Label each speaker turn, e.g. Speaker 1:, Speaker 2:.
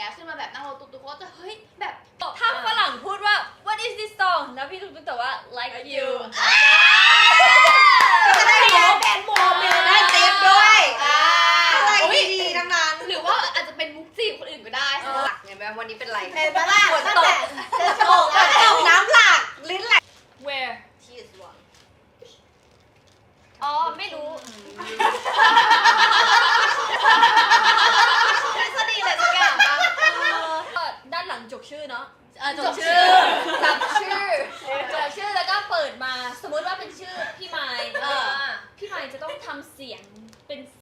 Speaker 1: งี้ยขึ้นมาแบบนั่งรถตุ๊กๆก็จะเฮ้ยแบบ
Speaker 2: ถ้าฝรั่งพูดว่า what is this song แล้วพี่ตุ๊กตอบว่า like you
Speaker 3: ก็ได้แบนโมเมนต์ได้เต็มด้วยอะไรดีๆทั้งนั้น
Speaker 1: หรือว่าอาจจะเป็นมุกจีบคนอื่นก็ได้
Speaker 3: หลักไงแม่วันนี้เป็นไร
Speaker 4: เป็นปะล่ะ
Speaker 3: ฝน
Speaker 4: ตั้ง
Speaker 3: ต
Speaker 4: แต่
Speaker 3: ก
Speaker 4: จะโชว์กัน
Speaker 3: ตกน้ำหลากลิ้นไหล
Speaker 2: where
Speaker 3: She is one
Speaker 2: อ๋อไม่รู้
Speaker 1: ทฤษฎีอะไรสักอย่างบ้าง
Speaker 2: ก็ด้านหลังจกชื่อเนาะ
Speaker 1: จบชื่อ
Speaker 2: จำชื่อแล้วก็เปิดมาสมมุติว่าเป็นชื่อพี่ไมค์พี่ไมค์จะต้องทำเสียงเป็น